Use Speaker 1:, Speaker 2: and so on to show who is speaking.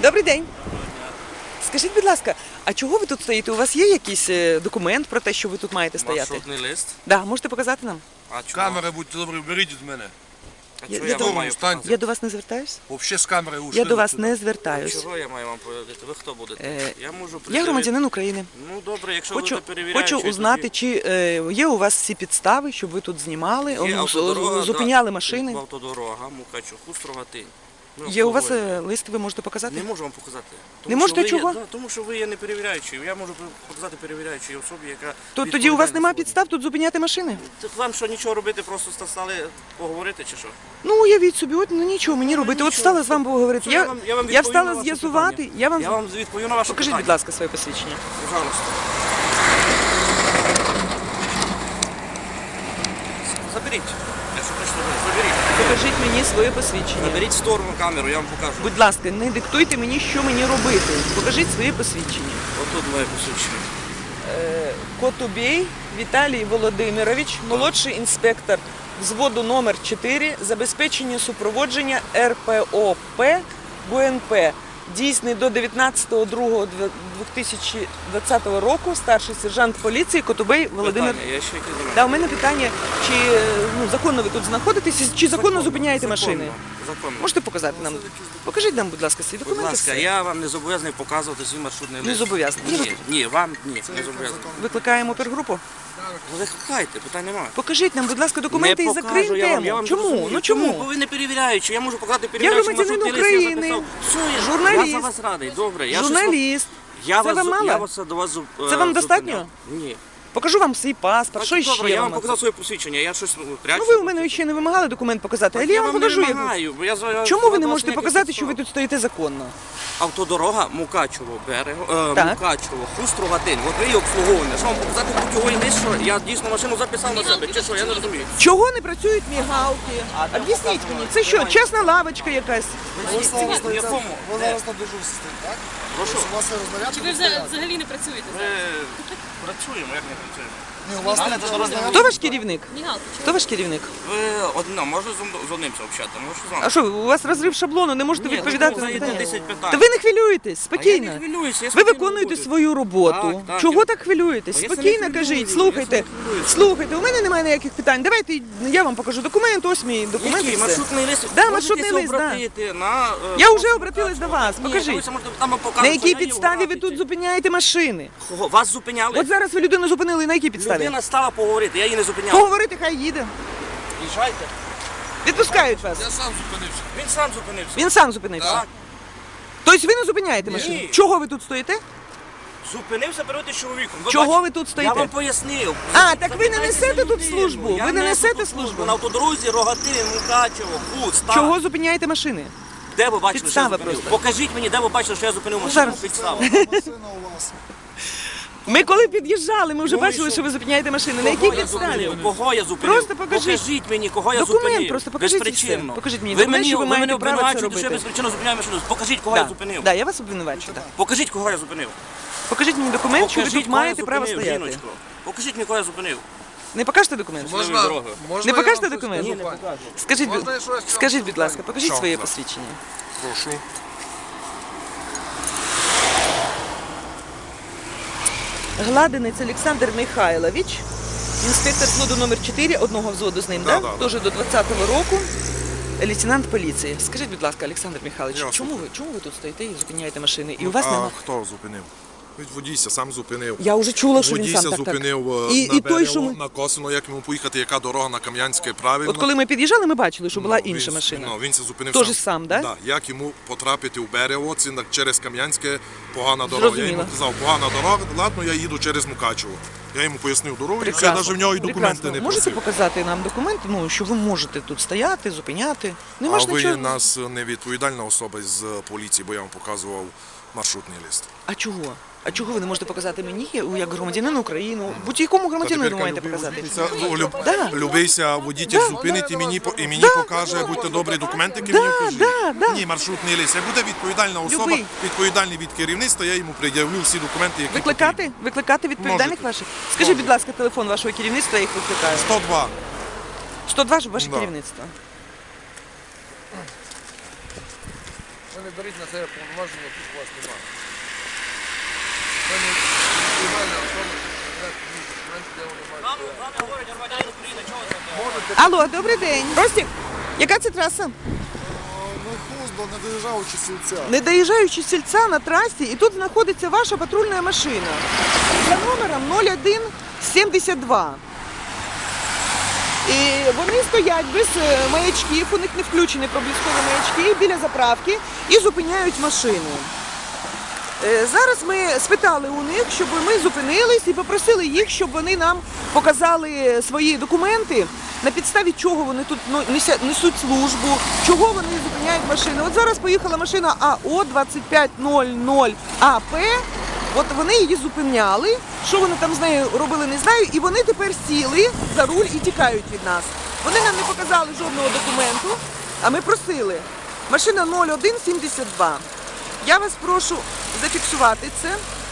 Speaker 1: Добрий день. Скажіть, будь ласка, а чого ви тут стоїте? У вас є якийсь документ про те, що ви тут маєте стояти?
Speaker 2: Маршрутний лист.
Speaker 1: Да, можете показати нам?
Speaker 2: А чого?
Speaker 3: Камери, будьте добрі, беріть від мене.
Speaker 2: А чого
Speaker 1: я
Speaker 2: я вам маю
Speaker 3: встаньте.
Speaker 2: показати?
Speaker 1: Я до вас не звертаюсь?
Speaker 3: Взагалі з камери ушли.
Speaker 1: Я до вас
Speaker 3: сюди.
Speaker 1: не звертаюсь.
Speaker 2: Чого я маю вам повідати? Ви хто будете? Я можу
Speaker 1: Я громадянин України.
Speaker 2: Ну добре, якщо будете
Speaker 1: Хочу
Speaker 2: перевіряючи,
Speaker 1: узнати, чи є у вас всі підстави, щоб ви тут знімали,
Speaker 2: Є автодорога,
Speaker 1: зупиняли
Speaker 2: да,
Speaker 1: машини.
Speaker 2: Автодорога, Мукачуху, Строгатин. Ну,
Speaker 1: Є у вас
Speaker 2: обслуговуємо.
Speaker 1: лист, ви можете показати?
Speaker 2: Не можу вам показати.
Speaker 1: Не можете
Speaker 2: що ви
Speaker 1: чого?
Speaker 2: Є, да, тому що ви є не перевіряючий. Я можу показати перевіряючій особі, яка
Speaker 1: То тоді у вас
Speaker 2: відповідальна
Speaker 1: немає
Speaker 2: сьогодні.
Speaker 1: підстав тут зупиняти машини?
Speaker 2: Так вам що, нічого робити, просто стали поговорити чи що?
Speaker 1: Ну, уявіть собі, от ну нічого мені робити. От
Speaker 2: нічого.
Speaker 1: встала з вами поговорити.
Speaker 2: Все, я вам
Speaker 1: Я
Speaker 2: відповім на
Speaker 1: встала
Speaker 2: ваше
Speaker 1: з'ясувати.
Speaker 2: питання.
Speaker 1: Я вам
Speaker 2: відповім на ваше
Speaker 1: покажіть,
Speaker 2: питання.
Speaker 1: будь ласка, своє посвідчення.
Speaker 2: Пожалуйста. Заберіть. Якщо прийшли, заберіть.
Speaker 1: Покажіть мені своє посвідчення.
Speaker 2: Заберіть в сторону камеру, я вам покажу.
Speaker 1: Будь ласка, не диктуйте мені, що мені робити. Покажіть своє посвідчення.
Speaker 2: Отут моє посвідчення.
Speaker 1: Котубей Віталій Володимирович, молодший інспектор взводу номер 4, забезпечення супроводження РПОП ГУНП. Дійсний до 19.02.2020 року, старший сержант поліції Котубей Володимир.
Speaker 2: Питання, я ще якісь до мене.
Speaker 1: Да, у мене питання, чи законно ви тут знаходитесь, чи законно зупиняєте машини?
Speaker 2: Законно.
Speaker 1: Можете показати нам? Покажіть нам, будь ласка, свої
Speaker 2: Будь
Speaker 1: документи.
Speaker 2: ласка,
Speaker 1: все.
Speaker 2: я вам не зобов'язаний показувати свій маршрутний лист.
Speaker 1: Не зобов'язаний.
Speaker 2: Ні, вам ні, не зобов'язаний.
Speaker 1: Викликаємо опергрупу.
Speaker 2: Викликайте, питань немає.
Speaker 1: Покажіть нам, будь ласка, документи
Speaker 2: Не
Speaker 1: і закриємо
Speaker 2: покажу, я
Speaker 1: тему.
Speaker 2: вам
Speaker 1: Чому?
Speaker 2: зрозумію.
Speaker 1: Ну чому?
Speaker 2: Бо ви не перевіряючи, я можу показати перевіряючи
Speaker 1: громадянин
Speaker 2: маршрутний лист,
Speaker 1: України,
Speaker 2: я записав. Все,
Speaker 1: журналіст.
Speaker 2: Я за вас радий, добре. Я
Speaker 1: Журналіст.
Speaker 2: Я
Speaker 1: Це
Speaker 2: вас,
Speaker 1: вам мало?
Speaker 2: Я вас до вас
Speaker 1: Це вам достатньо?
Speaker 2: Ні.
Speaker 1: Покажу вам свій паспорт. Що
Speaker 2: Добре,
Speaker 1: ще
Speaker 2: я вам
Speaker 1: вам?
Speaker 2: показав своє посвідчення, я щось прячу.
Speaker 1: Ну ви у мене ще не вимагали документ показати, але я вам покажу.
Speaker 2: не
Speaker 1: як-
Speaker 2: вимагаю, бо я
Speaker 1: Чому ви не
Speaker 2: вас
Speaker 1: можете
Speaker 2: ніяких
Speaker 1: показати, що ви
Speaker 2: підстав.
Speaker 1: тут стоїте законно?
Speaker 2: Автодорога Мукачево берег,
Speaker 1: Так.
Speaker 2: Мукачево, Хустрогатин. От ви її обслуговування. Що вам показати путьовий лист, що я дійсно машину записав на себе, чи що, я не розумію.
Speaker 1: Чого не працюють мігалки? Об'ясніть мені, це що, чесна лавочка якась?
Speaker 2: В якому?
Speaker 4: Ви зараз на дежурстві, так?
Speaker 2: Прошу.
Speaker 4: У вас є рознарядка?
Speaker 5: Чи ви взагалі не працюєте?
Speaker 2: Ми працюємо, як не працюємо.
Speaker 4: Ні, у вас
Speaker 2: Але
Speaker 4: не
Speaker 2: це рознарядка.
Speaker 1: Хто ваш керівник?
Speaker 5: Мігалки.
Speaker 1: Хто ваш керівник?
Speaker 2: Ви одна, можна з одним це общати, може з вами.
Speaker 1: А що, у вас розрив шаблону, не можете
Speaker 2: Ні,
Speaker 1: відповідати
Speaker 2: ну,
Speaker 1: на
Speaker 2: знаєте,
Speaker 1: питання?
Speaker 2: 10 питань.
Speaker 1: Та ви не хвилюєтесь,
Speaker 2: А я
Speaker 1: спокійно.
Speaker 2: не хвилююся, я
Speaker 1: Ви
Speaker 2: спокійно
Speaker 1: виконуєте
Speaker 2: роблю.
Speaker 1: свою роботу.
Speaker 2: Так,
Speaker 1: Чого
Speaker 2: я-
Speaker 1: так хвилюєтесь?
Speaker 2: А я це не
Speaker 1: Спокійно
Speaker 2: хвилююсь,
Speaker 1: кажіть,
Speaker 2: я
Speaker 1: слухайте.
Speaker 2: це не хвилююсь.
Speaker 1: Слухайте, у мене немає ніяких питань. Давайте я вам покажу документ, ось мій документ. і
Speaker 2: Який
Speaker 1: все.
Speaker 2: маршрутний лист?
Speaker 1: Да,
Speaker 2: Можете
Speaker 1: маршрутний лист, да.
Speaker 2: обратити на...
Speaker 1: Я вже обратилась до вас,
Speaker 2: Ні,
Speaker 1: покажіть.
Speaker 2: ви можете там показати,
Speaker 1: На якій
Speaker 2: що я її
Speaker 1: підставі ви
Speaker 2: обратите.
Speaker 1: тут зупиняєте машини?
Speaker 2: Кого? Вас зупиняли?
Speaker 1: От зараз ви людину зупинили, на якій підставі?
Speaker 2: Людина стала поговорити, я її не зупиняв.
Speaker 1: Поговорити, хай їде.
Speaker 2: Їжджайте.
Speaker 1: Відпускають вас.
Speaker 3: Я сам зупинився.
Speaker 2: Він сам зупинився.
Speaker 1: Він сам зупинився.
Speaker 2: Так.
Speaker 1: Тобто ви не зупиняєте машину? Чого ви тут стоїте?
Speaker 2: Зупинився перед чоловіком.
Speaker 1: Чого
Speaker 2: бачите?
Speaker 1: ви тут
Speaker 2: Я
Speaker 1: стоїте?
Speaker 2: вам пояснив.
Speaker 1: А, так ви не
Speaker 2: Запитайте
Speaker 1: несете
Speaker 2: за
Speaker 1: тут
Speaker 2: людину.
Speaker 1: службу?
Speaker 2: Я
Speaker 1: Ви не
Speaker 2: несу
Speaker 1: несете
Speaker 2: тут
Speaker 1: службу?
Speaker 2: На автодорозі Рогатин, Мукачево, Худ, Стар.
Speaker 1: Чого зупиняєте машини?
Speaker 2: Де ви бачили,
Speaker 1: Підстава
Speaker 2: що я зупинив?
Speaker 1: просто.
Speaker 2: Покажіть мені, де ви бачили, що я зупинив машину.
Speaker 1: зараз.
Speaker 2: Підстава.
Speaker 4: машина у вас.
Speaker 1: Ми коли під'їжджали, ми вже
Speaker 2: Ну, і
Speaker 1: бачили,
Speaker 2: що?
Speaker 1: що ви зупиняєте машини. На якій
Speaker 2: Кого я
Speaker 1: підставі?
Speaker 2: зупинив? Кого я зупинив?
Speaker 1: Просто покажіть.
Speaker 2: Покажіть мені, кого я
Speaker 1: Документ
Speaker 2: зупинив.
Speaker 1: просто покажіть і
Speaker 2: Безпричинно.
Speaker 1: все. Покажіть мені
Speaker 2: Ви
Speaker 1: документ, що ви
Speaker 2: мене
Speaker 1: маєте право це
Speaker 2: обвинувачуєте, що я
Speaker 1: робити.
Speaker 2: безпричинно зупиняю машину. Покажіть, кого я зупинив.
Speaker 1: Да, я вас обвинувачую. Да.
Speaker 2: Покажіть, кого я зупинив.
Speaker 1: Покажіть мені документ, що ви
Speaker 2: Покажіть,
Speaker 1: тут
Speaker 2: кого я
Speaker 1: маєте право
Speaker 2: зупинив,
Speaker 1: стояти.
Speaker 2: жіночко. Покажіть мені, кого я зупинив.
Speaker 1: Не покажете документ?
Speaker 2: Можливо, дорогою.
Speaker 1: Не
Speaker 3: я
Speaker 1: покажете
Speaker 3: вам щось
Speaker 1: документ?
Speaker 3: скажу,
Speaker 1: Ні,
Speaker 3: пані?
Speaker 1: Скажіть,
Speaker 3: Можна я щось
Speaker 1: скажіть,
Speaker 3: скажу?
Speaker 1: будь ласка, покажіть
Speaker 3: Що
Speaker 1: своє
Speaker 3: це?
Speaker 1: посвідчення.
Speaker 3: Прошу.
Speaker 1: Гладинець Олександр Михайлович, інспектор взводу номер 4, одного взводу з ним,
Speaker 3: Да,
Speaker 1: да?
Speaker 3: да,
Speaker 1: Теж до 20-го року, лейтенант поліції. Скажіть, будь ласка, Олександр Михайлович,
Speaker 3: Я
Speaker 1: чому ви тут стоїте і зупиняєте машини? І у вас
Speaker 3: А
Speaker 1: нема...
Speaker 3: хто зупинив? Водійся сам зупинив.
Speaker 1: Я вже чула, що він
Speaker 3: Водійся
Speaker 1: сам так.
Speaker 3: зупинив
Speaker 1: І
Speaker 3: на
Speaker 1: той, що
Speaker 3: Берево,
Speaker 1: ми...
Speaker 3: на Косино, як йому поїхати, яка дорога на Кам'янське правильно.
Speaker 1: От коли ми під'їжджали, ми бачили, що була
Speaker 3: Ну,
Speaker 1: інша
Speaker 3: він-
Speaker 1: машина.
Speaker 3: Ну, він се зупинив
Speaker 1: Тоже сам, да?
Speaker 3: Да. Як йому потрапити в Берево, це через Кам'янське погана дорога. Я йому
Speaker 1: Зрозуміло.
Speaker 3: казав, погана дорога, ладно, я їду через Мукачево. Я йому пояснив дорогу, і все,
Speaker 1: Прекрасно.
Speaker 3: навіть в нього і документи
Speaker 1: Прекрасно.
Speaker 3: не
Speaker 1: Можете
Speaker 3: просив.
Speaker 1: показати нам документ, ну, що ви можете тут стояти, зупиняти? Нема
Speaker 3: А
Speaker 1: ж
Speaker 3: ви
Speaker 1: нічого.
Speaker 3: нас не відповідальна особа з поліції, бо я вам показував маршрутний лист.
Speaker 1: А чого? А чого ви не можете показати мені, як громадянину України? Будь-якому громадянину ви маєте показати. Да.
Speaker 3: Любийся, водитель зупинить і мені, покаже, будьте добрі, документи, які мені покажіть.
Speaker 1: да.
Speaker 3: Ні, маршрутний лист. Як буде відповідальна особа,
Speaker 1: Любий.
Speaker 3: відповідальний від керівництва, я йому пред'явлю всі документи, які
Speaker 1: Викликати? Викликати відповідальних
Speaker 3: Можете.
Speaker 1: ваших? Скажіть, будь ласка, телефон вашого керівництва, я їх викликаю.
Speaker 3: 102.
Speaker 1: 102 ж ваше
Speaker 3: Да.
Speaker 1: керівництво.
Speaker 5: не беріть на себе повноваження, яких у вас немає. Це не приймальна особа, документи, де вони мають.
Speaker 2: Нам говорять громадяни України, чого це?
Speaker 5: Можете
Speaker 1: Алло, добрий день. Ростік, яка це траса?
Speaker 4: Ми Хуздо, не доїжджаючи сільця.
Speaker 1: Не доїжджаючи з сільця на трасі, і тут знаходиться ваша патрульна машина за номером 0172. І вони стоять без маячків, у них не включені проблискові маячки біля заправки і зупиняють машину. Зараз ми спитали у них, щоб ми зупинились і попросили їх, щоб вони нам показали свої документи, на підставі чого вони тут несуть службу, чого вони зупиняють машини. От зараз поїхала машина АО 2500 АП, от вони її зупиняли, що вони там з нею робили, не знаю, і вони тепер сіли за руль і тікають від нас. Вони нам не показали жодного документу, а ми просили. Машина 0172. Я вас прошу зафіксувати це.